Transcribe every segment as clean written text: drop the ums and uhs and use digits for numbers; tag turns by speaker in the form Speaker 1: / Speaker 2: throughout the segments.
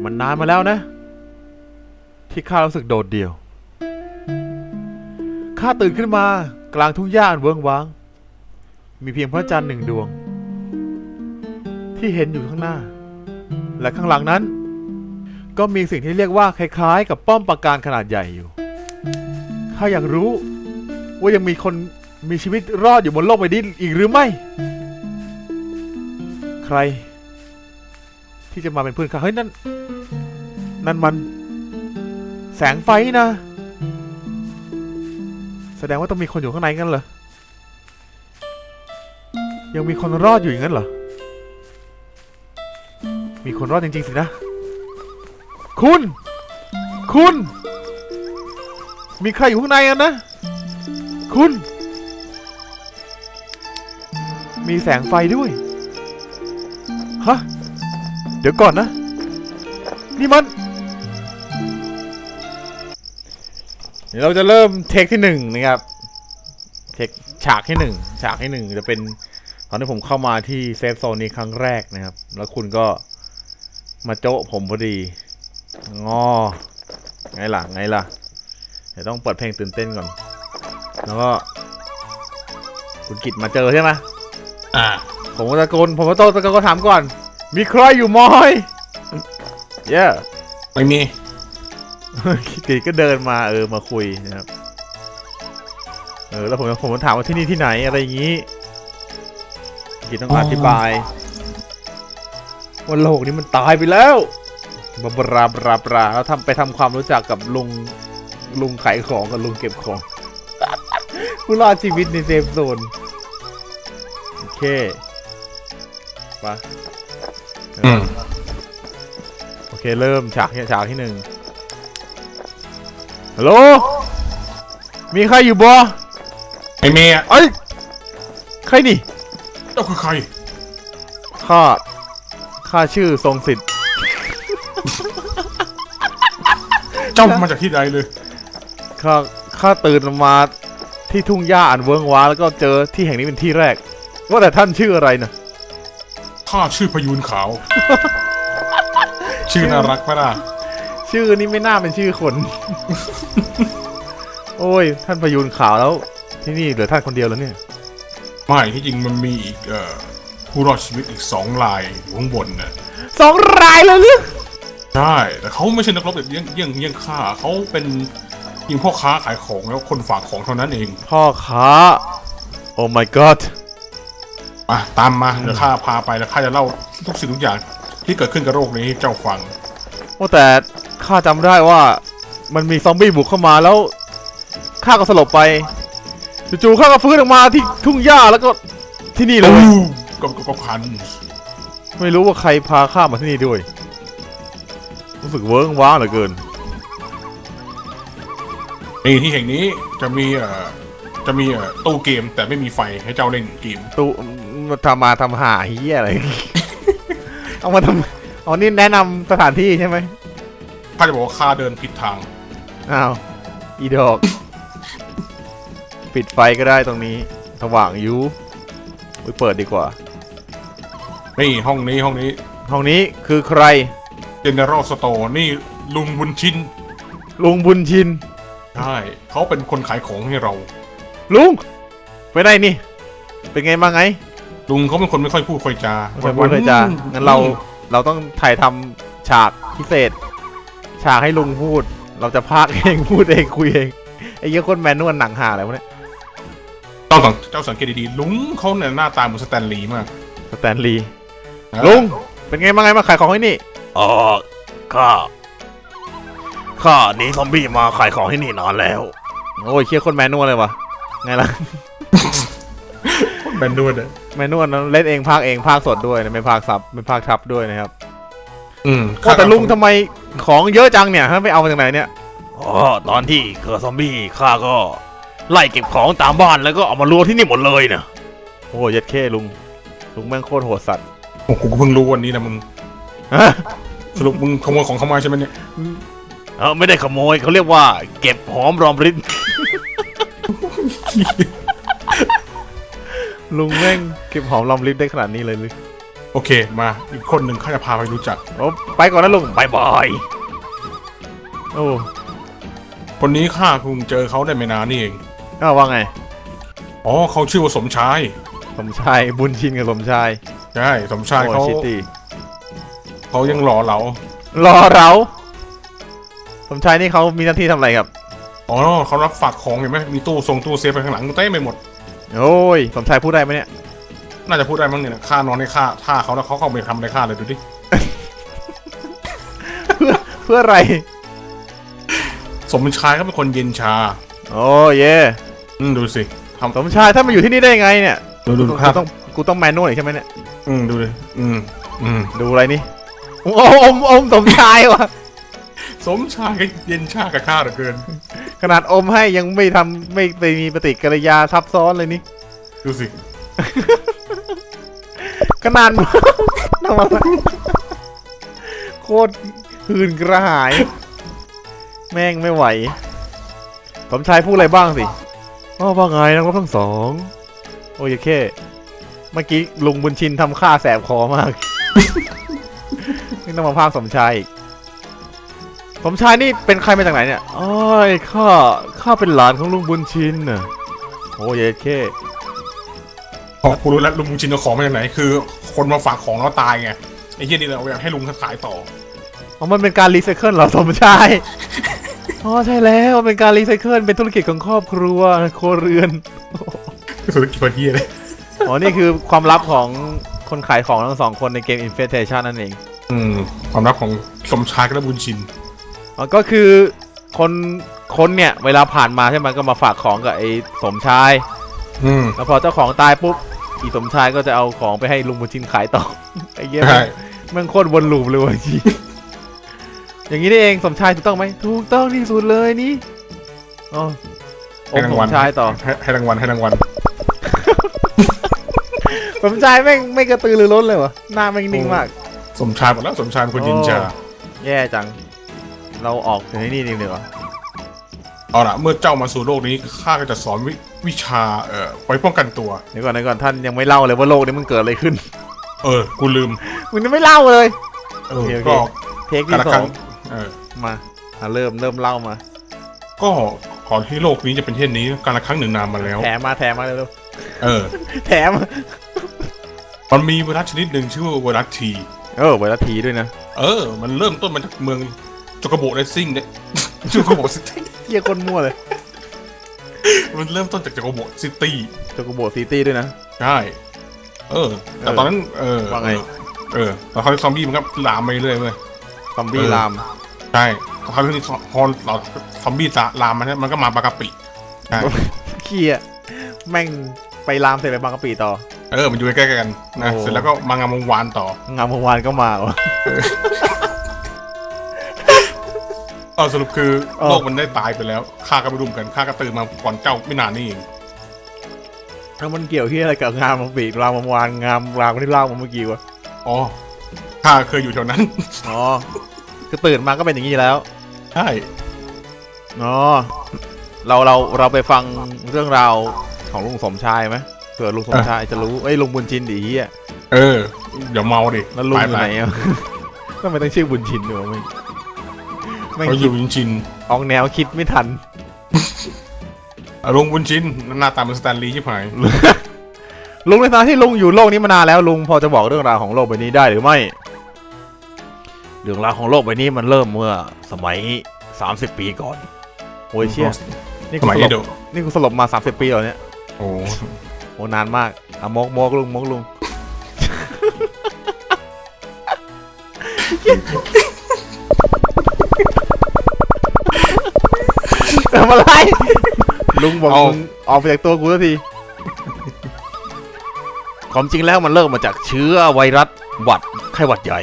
Speaker 1: มันนานมาแล้วนะที่ข้ารู้สึกโดดเดี่ยวข้าตื่นขึ้นมากลางทุ่งหญ้าอันเวิ้งว้างมีเพียงพระจันทร์หนึ่งดวงที่เห็นอยู่ข้างหน้าและข้างหลังนั้นก็มีสิ่งที่เรียกว่าคล้ายๆกับป้อมปราการขนาดใหญ่อยู่ข้าอยากรู้ว่ายังมีคนมีชีวิตรอดอยู่บนโลกใบนี้อีกหรือไม่ใครที่จะมาเป็นเพื่อนข้าเฮ้ยนั่นมันแสงไฟนะแสดงว่าต้องมีคนอยู่ข้างในงั้นเหรอยังมีคนรอดอยู่อย่างนั้นเหรอมีคนรอดจริงๆสินะคุณมีใครอยู่ข้างในกันนะคุณมีแสงไฟด้วยฮะเดี๋ยวก่อนนะนี่มันเดี๋ยวเราจะเริ่มเทคที่1นะครับเทคฉากที่1จะเป็นตอนที่ผมเข้ามาที่เซฟโซนนี้ครั้งแรกนะครับแล้วคุณก็มาโจ๊ะผมพอดีไงล่ะเดี๋ยวต้องเปิดเพลงตื่นเต้นก่อนแล้วก็คุณกิตมาเจอใช่ไหมผมก็ตะโกนก็ถามก่อนมีใครอยู่มอย
Speaker 2: ไม่มี
Speaker 1: กิตก็เดินมามาคุยนะครับแล้วผมถามว่าที่นี่ที่ไหนอะไรอย่างนี้กิตต้องอธิบายว่าโลกนี้มันตายไปแล้วบราแล้วไปทำความรู้จักกับลุงขายของกับลุงเก็บของผู้รอดชีวิตในเซฟโซนโอเคปะโอเคเริ่มฉากที่1ฮัลโหลมีใครอยู่บ่
Speaker 2: ไอเมย์
Speaker 1: เอ้ยใครนี่
Speaker 2: เจ้าคือใคร
Speaker 1: ข้าชื่อทรงสิทธิ์
Speaker 2: เจ้ามาจากที่ใดเลย
Speaker 1: ข้าตื่นมาที่ทุ่งหญ้าอันเวิ้งว้างแล้วก็เจอที่แห่งนี้เป็นที่แรกว่าแต่ท่านชื่ออะไรนะ
Speaker 2: ข้าชื่อพยูนขาว ชื่อน่ารักไหมล่ะ
Speaker 1: ชื่อนี้ไม่น่าเป็นชื่อคน โอ้ยท่านพยูนขาวแล้วที่นี่เหลือท่านคนเดียวแล้วเนี่ย
Speaker 2: ไม่ที่จริงมันมีอีกผู้รอดชีวิตอีก2 รายอยู่ข้างบนน่ะ
Speaker 1: 2 รายเลยหรือ
Speaker 2: ใช่แต่เขาไม่ใช่นักรบแบบเยี่ยงข้าเขาเป็นยิงพ่อค้าขายของแล้วคนฝากของเท่านั้นเอง
Speaker 1: พ่อค้าโอ้ my god
Speaker 2: มาตามมาเดี๋ยวข้าพาไปแล้วข้าจะเล่าทุกสิ่งทุกอย่างที่เกิดขึ้นกับโรคนี้ให้เจ้าฟัง
Speaker 1: โอ้แต่ข้าจำได้ว่ามันมีซอมบี้บุกเข้ามาแล้วข้าก็สลบไปจู่ๆข้าก็ฟื้นออกมาที่ทุ่งหญ้าแล้วก็ที่นี่เลย
Speaker 2: ก็พัน
Speaker 1: ไม่รู้ว่าใครพาข้ามาที่นี่ด้วยรู้สึกเวิ้งว้างเหลือเกิน
Speaker 2: นี่ที่แห่งนี้จะมีตู้เกมแต่ไม่มีไฟให้เจ้าเล่นเกม
Speaker 1: ตู้ทำหาเฮียอะไร เอามาทำนี่แนะนำสถานที่ใช่ไหม
Speaker 2: ข้าจะบอกว่าข้าเดินผิดทาง
Speaker 1: อ้าวอีดอกปิดไฟก็ได้ตรงนี้สว่างอยู่ไปเปิดดีกว่า
Speaker 2: นี่ห้องนี้
Speaker 1: คือใคร
Speaker 2: General Store นี่ลุงบุญชินใช่เขาเป็นคนขายของให้เรา
Speaker 1: ลุงไปไหนนี่เป็นไงมาไง
Speaker 2: ลุงเขาเป็นคนไม่ค่อยพูดค่อยจา
Speaker 1: งั้นเราต้องถ่ายทำฉากพิเศษฉากให้ลุงพูดเราจะพากเองพูดเองคุยเองไอ้เยอะคนแมนนวลหนังหาอะไรวะเนี่ย
Speaker 2: เจ้าสังเกตดีๆลุงเขาเนี่ยหน้าตาเหมือนสแตนลีย์มาก
Speaker 1: ลุงเป็นไงมาไงมาขายของให้นี่ข้าหนีซอมบี้มาขายของที่นี่นานแล้วโอ้ยเชี่ยคนแมนนวลเลยวะไงล่ะ
Speaker 2: แมนนวล
Speaker 1: เล่นเองพากเองพากสดด้วยนะไม่พากซับไม่พากทับด้วยนะครับแต่ลุงทำไมของเยอะจังเนี่ยไม่เอามาจากไหนเนี่ยตอนที่เกิดซอมบี้ข้าก็ไล่เก็บของตามบ้านแล้วก็เอามารวมที่นี่หมดเลยนะโอ้ยยัดเข้ลุงแม่งโคตรโหดสัตว์
Speaker 2: โอ้กูเพิ่งรู้วันนี้นะมึงสรุปมึงขโมยของเขามาใช่ไหมเนี่ย
Speaker 1: ไม่ได้ขโมยเขาเรียกว่าเก็บหอมรอมริบลุงแม่งเก็บหอมรอมริบได้ขนาดนี้เลยหรือ
Speaker 2: โอเคมาอีกคนหนึ่งข้าจะพาไปรู้จัก
Speaker 1: โอ้ไปก่อนนะลุงบายบายโอ้
Speaker 2: คนนี้ข้าเพิ่งเจอเขาได้ไม่นานนี่เอง
Speaker 1: ว่าไง
Speaker 2: อ๋อเขาชื่อว่าสมชาย
Speaker 1: สมชายบุญชินกับสมชาย
Speaker 2: ใช่สมชาย
Speaker 1: โอ้
Speaker 2: เขา
Speaker 1: ชิตี้
Speaker 2: เขายังหล่อเหลาร
Speaker 1: อเราสมชายนี่เขามีหน้าที่ทำอะไรครับ
Speaker 2: อ๋อเขารับฝากของเห็นไหมมีตู้เซฟไปข้างหลังเต้ไม่หมด
Speaker 1: โอ้ยสมชายพูดได้ไหมเนี่ย
Speaker 2: น่าจะพูดได้มั้งเนี่ยข้านอนให้ข้าท่าเขาแล้วเขาเข้าไปทำอะไรข้าเลยดูดิ
Speaker 1: เพื่ออะไร
Speaker 2: สมชายเขาเป็นคนเย็นชา
Speaker 1: โอ้เย่
Speaker 2: ดูสิทำ
Speaker 1: สมชายถ้ามาอยู่ที่นี่ได้ไงเนี่ย
Speaker 2: ดูครับ
Speaker 1: กูต้องแมนนวลอีกใช่ไหมเนี่ย
Speaker 2: ดูดิ
Speaker 1: ดูอะไรนี่อมสมชายวะ
Speaker 2: สมชายก็เย็นชากับข้าเหลือเกิน
Speaker 1: ขนาดอมให้ยังไม่ไปมีปฏิกิริยาซับซ้อนเลยนี่
Speaker 2: ดูสิ
Speaker 1: ขนาด ทำอะไรโคตรหื่นกระหาย แม่งไม่ไหว สมชายพูดอะไรบ้างสิว่าไงนักรบทั้งสองโอ้ยแค่เมื่อกี้ลุงบุญชินทำข้าแสบคอมาก นี่ต้องมาพากย์สมชายอีกสมชายนี่เป็นใครมาจากไหนเนี่ยอ้อยข้าเป็นหลานของลุงบุญชินน่ะโอ้ยแค่
Speaker 2: พอกูรู้แล้วลุงชินเอาของมาจากไหนคือ คนมาฝากของแล้วตายไงไอ้เหี้ยนี่เราอยากให้ลุงขายต่อ
Speaker 1: มันเป็นการรีไซเคิลเหรอสมชายอ๋อใช่แล้วมันเป็นการรีไซเคิลเป็นธุรกิจของครอบครัวครัวเรือน
Speaker 2: ธุรกิจเหี้ยเลย
Speaker 1: อ๋อนี่คือความลับของคนขายของทั้งสองคนในเกม Infestation นั่นเอง
Speaker 2: ความลับของสมชายกับบุญชิน
Speaker 1: ก็คือคนเนี่ยเวลาผ่านมาใช่ไหมก็มาฝากของกับไอ้สมชายแล้วพอเจ้าของตายปุ๊บอีสมชายก็จะเอาของไปให้ลุงบุญชินขายต่อ ไอ้เหี้ยมันโคตรวนลูปเลยว่ะจีอย่างนี้นี่เองสมชายถูกต้องไหมถูกต้องที่สุดเลยนี่อ๋อสมชายต่อ
Speaker 2: ให้รางวัล
Speaker 1: สมชายแม่งไม่กระตือรือร้นเลยวะหน้าแม่งนิ่งมาก
Speaker 2: สมชายหมดแล้วสมชายเป็นคนยินชา
Speaker 1: แย่จังเราออกจากที่นี่ดีกว่า
Speaker 2: เอาล่ะเมื่อเจ้ามาสู่โลกนี้ข้าก็จะสอนวิชาไว้ป้องกันตัว
Speaker 1: เดี๋ยวก่อนท่านยังไม่เล่าเลยว่าโลกนี้มันเกิดอะไรขึ้น
Speaker 2: กูลืม
Speaker 1: มึงยังไม่เล่าเลย
Speaker 2: ก็
Speaker 1: เทคที่สองมาเริ่มเล่ามา
Speaker 2: ก็ก่อนที่โลกนี้จะเป็นเช่นนี้การละครั้งหนึ่งนานมาแล้ว
Speaker 1: แถมมาเร็วแถม
Speaker 2: มันมีไวรัสชนิดหนึ่งชื่อว่าไวรัสที
Speaker 1: ไวรัสทีด้วยนะ
Speaker 2: มันเริ่มต้นมาจากเมืองโจโกโบเรซิ่งเนี่ยโจโกโบซิตี้
Speaker 1: เหี้ยคนมั่วเลย
Speaker 2: มันเริ่มต้นจากโจโกโบซิตี้
Speaker 1: ด้วยนะ
Speaker 2: ใช่แต่ตอนนั้น
Speaker 1: ว่าไง
Speaker 2: ตอนเขาซอมบี้มันก็ลามไปเรื่อยเลย
Speaker 1: ซอมบี้ลาม
Speaker 2: ใช่พอเราซอมบี้ลามมันก็มาบางกะปิใช่
Speaker 1: ขี้อ่ะแม่งไปลามเสร็จไปบางกะปิต่อ
Speaker 2: มันอยู่ใกล้ๆกันนะเสร็จแล้วก็มางามวงวานต่
Speaker 1: องามวงวานก็มาวะ
Speaker 2: สรุปคือโลกมันได้ตายไปแล้วข้าก็ไม่รู้กันข้าก็ตื่นมาก่อนเจ้าไม่นานนี่เอง
Speaker 1: แล้วมันเกี่ยวที่อะไรกับงามวงปีรามวงวานงามรามที่เล่ามาเมื่อกี้วะ
Speaker 2: ข้าเคยอยู่แถวนั้น
Speaker 1: คือตื่นมาก็เป็นอย่างนี้แล้ว
Speaker 2: ใช่
Speaker 1: เราไปฟังเรื่องราวของลุงสมชายไหมเผื่อลุงสมชายจะรู้ลุงบุญชินดิเฮีย
Speaker 2: เดี๋ยวเมาดิ
Speaker 1: แล้วลุงอยู่ไหนอ่ะก็ไม่ต้องชื่อบุญชินด้วย
Speaker 2: ไม่อยู่บุญชิน
Speaker 1: ออกแนวคิดไม่ทัน
Speaker 2: ลุงบุญชินหน้าตาเหมือนสแตนลีย์ใช่ไหม
Speaker 1: ลุงในฐานะที่ลุงอยู่โลกนี้มานานแล้วลุงพอจะบอกเรื่องราวของโลกใบนี้ได้หรือไม่เรื่องราวของโลกใบนี้มันเริ่มเมื่อสมัย30 ปีก่อนโอ้ยเชี่ยนี่กูสลบมา30 ปีแล้วเนี่ยโอ้นานมากมกลุงทำอะไรลุงบอกมึงออกไปจากตัวกูสักทีความจริงแล้วมันเริ่มมาจากเชื้อไวรัสไข้หวัดใหญ่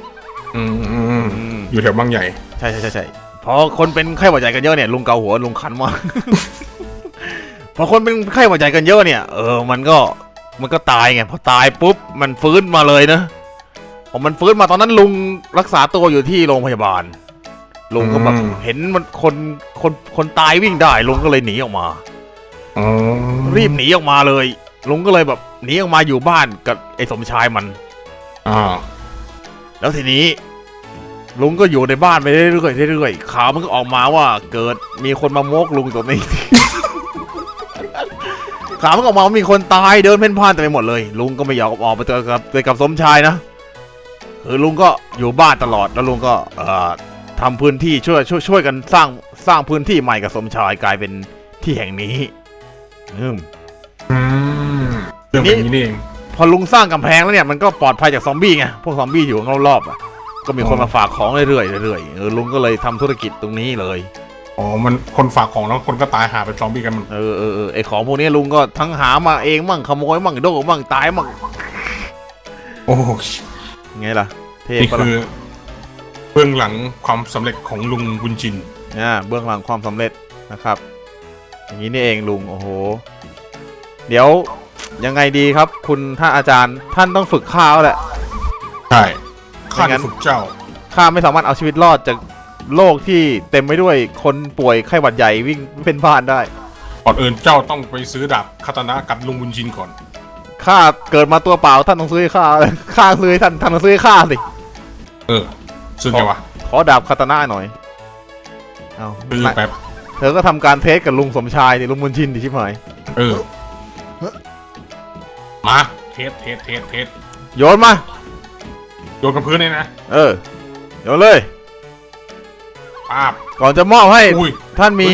Speaker 2: อยู่แถวบางใหญ่
Speaker 1: ใช่พอคนเป็นไข้หวัดใหญ่กันเยอะเนี่ยลุงเกาหัวลุงคันมากพอคนเป็นไข้หวัดใหญ่กันเยอะเนี่ยมันก็ตายไงพอตายปุ๊บมันฟื้นมาเลยนะพอมันฟื้นมาตอนนั้นลุงรักษาตัวอยู่ที่โรงพยาบาลลุงก็แบบเห็นมันคนตายวิ่งได้ลุงก็เลยหนีออกมารีบหนีออกมาเลยลุงก็เลยแบบหนีออกมาอยู่บ้านกับไอ้สมชายมัน
Speaker 2: อ่า
Speaker 1: แล้วทีนี้ลุงก็อยู่ในบ้านไปเรื่อยๆข่าวมันก็ออกมาว่าเกิดมีคนมาโมกลุงตรงนี้ ข่าวมันก็ออกมาว่ามีคนตายเดินเพ่นพ่านเต็มไปหมดเลยลุงก็ไม่อยากออกไปเจอกับสมชายนะคือลุงก็อยู่บ้านตลอดแล้วลุงก็ทำพื้นที่ช่วยกันสร้างพื้นที่ใหม่กับสมชายกลายเป็นที่แห่งนี้
Speaker 2: เรื่องแบบนี้นี่เอง
Speaker 1: พอลุงสร้างกำแพงแล้วเนี่ยมันก็ปลอดภัยจากซอมบี้ไงพวกซอมบี้อยู่รอบๆก็มีคนมาฝากของเรื่อยๆลุงก็เลยทำธุรกิจตรงนี้เลย
Speaker 2: อ๋อมันคนฝากของแล้วคนก็ตายหาเป็นซอมบี้กันมัน
Speaker 1: ไอของพวกนี้ลุงก็ทั้งหามาเองมั่งขโมยมั่งโดนมั่งตายมั่ง
Speaker 2: โอ้
Speaker 1: ไงล่ะ
Speaker 2: นี่คือเบื้องหลังความสำเร็จของลุงบุญชิน
Speaker 1: เบื้องหลังความสำเร็จนะครับอย่างนี้นี่เองลุงโอ้โหเดี๋ยวยังไงดีครับคุณท่านอาจารย์ท่านต้องฝึกข้าแหละ
Speaker 2: ใช่ข้าจะฝึกเจ้า
Speaker 1: ข้าไม่สามารถเอาชีวิตรอดจากโลกที่เต็มไปด้วยคนป่วยไข้หวัดใหญ่วิ่งเป็นบ้านได้
Speaker 2: ก่อนอื่นเจ้าต้องไปซื้อดาบคาตานะกับลุงบุญชินก่อน
Speaker 1: ข้าเกิดมาตัวเปล่าท่านต้องซื้อให้ข้าซื้อให้ท่านต้องซื้อให้ข้าสิ
Speaker 2: ซื้อไงวะ
Speaker 1: ขอดาบคาตานะหน่อยเอา
Speaker 2: ซื้อแป๊บ
Speaker 1: เธอก็ทำการเทสกับลุงสมชายดิลุงบุญชินดิชิบหาย
Speaker 2: มาเทส
Speaker 1: โยนมา
Speaker 2: โยนกับพื้นเลยนะ
Speaker 1: โยนเลย
Speaker 2: ป้าบ
Speaker 1: ก่อนจะมอบให้ท่านมี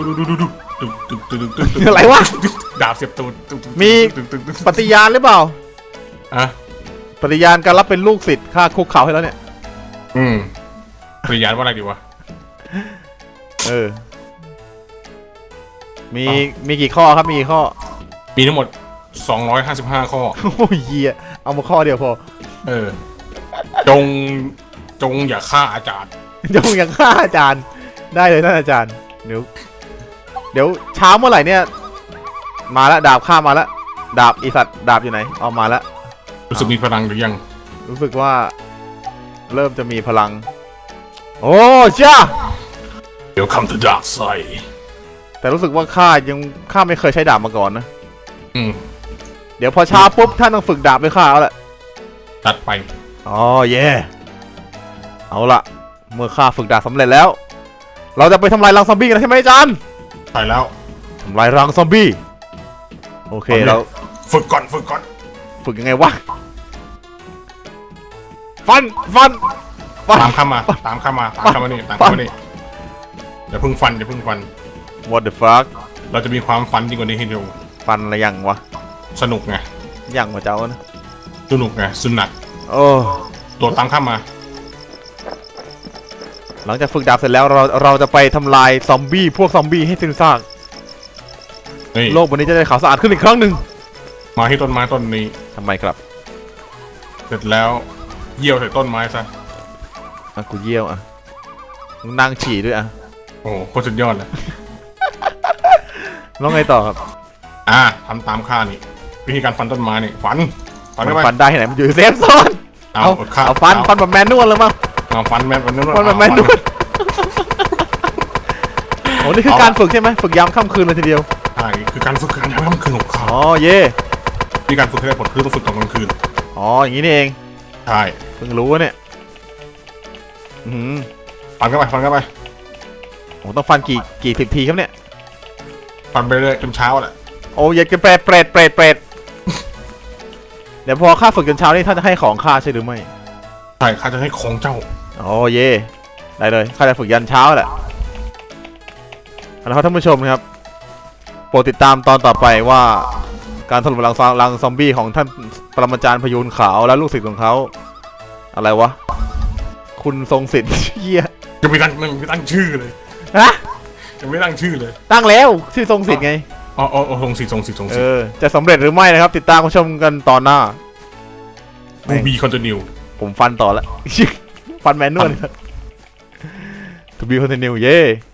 Speaker 2: ดู
Speaker 1: อะไรวะ
Speaker 2: ดาบเสียบตูด
Speaker 1: มีปฏิญาณหรือเปล่าปฏิญาณการรับเป็นลูกศิษย์ข้าคุกเข่าให้แล้วเนี่ย
Speaker 2: ปฏิญาณว่าอะไรดีวะ
Speaker 1: มีกี่ข้อครับมีกี่ข้อ
Speaker 2: มีทั้งหมด255ข้อ
Speaker 1: โอ้ยเหี้ยเอามาข้อเดียวพอ
Speaker 2: จงอย่าฆ่าอาจารย์
Speaker 1: จงอย่าฆ่าอาจารย์ได้เลยท่านอาจารย์เดี๋ยวเช้าเมื่อไหร่เนี่ยมาแล้วดาบข้ามาแล้วดาบอีสัตว์ดาบอยู่ไหนเอามาแล้ว
Speaker 2: รู้สึกมีพลังหรือยัง
Speaker 1: รู้สึกว่าเริ่มจะมีพลังโอ้จ้า
Speaker 2: เดี๋ยว come to dark side
Speaker 1: แต่รู้สึกว่าข้าไม่เคยใช้ดาบมาก่อนนะเดี๋ยวพอเช้าปุ๊บท่านต้องฝึกดาบด้วยข้าแล้วแหละ
Speaker 2: ตัดไป
Speaker 1: อ๋อเย่เอาละเมื่อข้าฝึกดาบสำเร็จแล้วเราจะไปทำลายรังซอมบี้กันใช่ไหมอาจารย์
Speaker 2: ใช่แล้ว
Speaker 1: ทำลายรังซอมบี้โอเคเรา
Speaker 2: ฝึกก่อน
Speaker 1: ฝึกยังไงวะฟัน
Speaker 2: ตามข้ามานี่อย่าพึ่งฟัน
Speaker 1: What the fuck
Speaker 2: เราจะมีความฟันยิ่งกว่านี้ให้ดู
Speaker 1: ฟันอะไรยังวะ
Speaker 2: สนุกไง
Speaker 1: ยังมาเจ้านะ
Speaker 2: สนุกไงสุนัขตัวตามข้ามา
Speaker 1: หลังจากฝึกดาบเสร็จแล้วเราจะไปทำลายซอมบี้พวกซอมบี้ให้สิ้นซากโลกวันนี้จะได้ขาวสะอาดขึ้นอีกครั้งหนึ่ง
Speaker 2: มาที่ต้นไม้ต้นนี้
Speaker 1: ทำไมครับ
Speaker 2: เสร็จแล้วเยี่ยวใส่ต้นไม้ซะ
Speaker 1: กูเยี่ยวนั่งฉี่ด้วย
Speaker 2: โอ้โคตรสุดยอดเลย
Speaker 1: แล้วไงต่อครับ
Speaker 2: ทำตามข้านี่วิธีการฟันต้นไม้นี่ฟัน
Speaker 1: ได้ไหนมันอยู่เซฟโซนเอาฟันแบบแมนนวลเลยมั้ง
Speaker 2: ฟันแบบแมนนวล
Speaker 1: โอ้นี่คือการฝึกใช่ไหมฝึกยามค่ำคืนเลยทีเดียว
Speaker 2: ใช่คือการฝึกยามค่ำคืนของเขา
Speaker 1: เย่
Speaker 2: วิธีการฝึกให้ได้ผลคือต้องฝึกตอนกลางคืน
Speaker 1: อย่างนี้นี่เอง
Speaker 2: ใช่
Speaker 1: เพิ่งรู้เนี่ย
Speaker 2: ฟันเข้าไป
Speaker 1: ต้องฟันกี่10 ทีครับเนี่ย
Speaker 2: ฟันไปเรื่อยจนเช้าแหละ
Speaker 1: โอ้ยอยากจะเปรตเดี๋ยวพอข้าฝึกจนเช้านี่ท่านจะให้ของข้าใช่หรือไม่
Speaker 2: ใช่ข้าจะให้ของเจ้า
Speaker 1: เย่ได้เลยข้าจะฝึกยันเช้าแหละแล้วท่านผู้ชมครับโปรดติดตามตอนต่อไปว่าการถล่มรังซอมบี้ของท่านปรมาจารย์พยูนขาวและลูกศิษย์ของเขาอะไรวะคุณทรงศิษย์เหี้ย
Speaker 2: ยังไม่ตั้งชื่อเลยยังไม่ตั้งชื่อเลย
Speaker 1: ตั้งแล้วชื่อทรงศิษย์ไง
Speaker 2: ทรงศิษย์
Speaker 1: จะสำเร็จหรือไม่นะครับติดตามชมกันตอนหน้า
Speaker 2: บีคอนติเนีย
Speaker 1: ผมฟันต่อแล้วฟันแมนนวลทูบีคอนติเนียเย่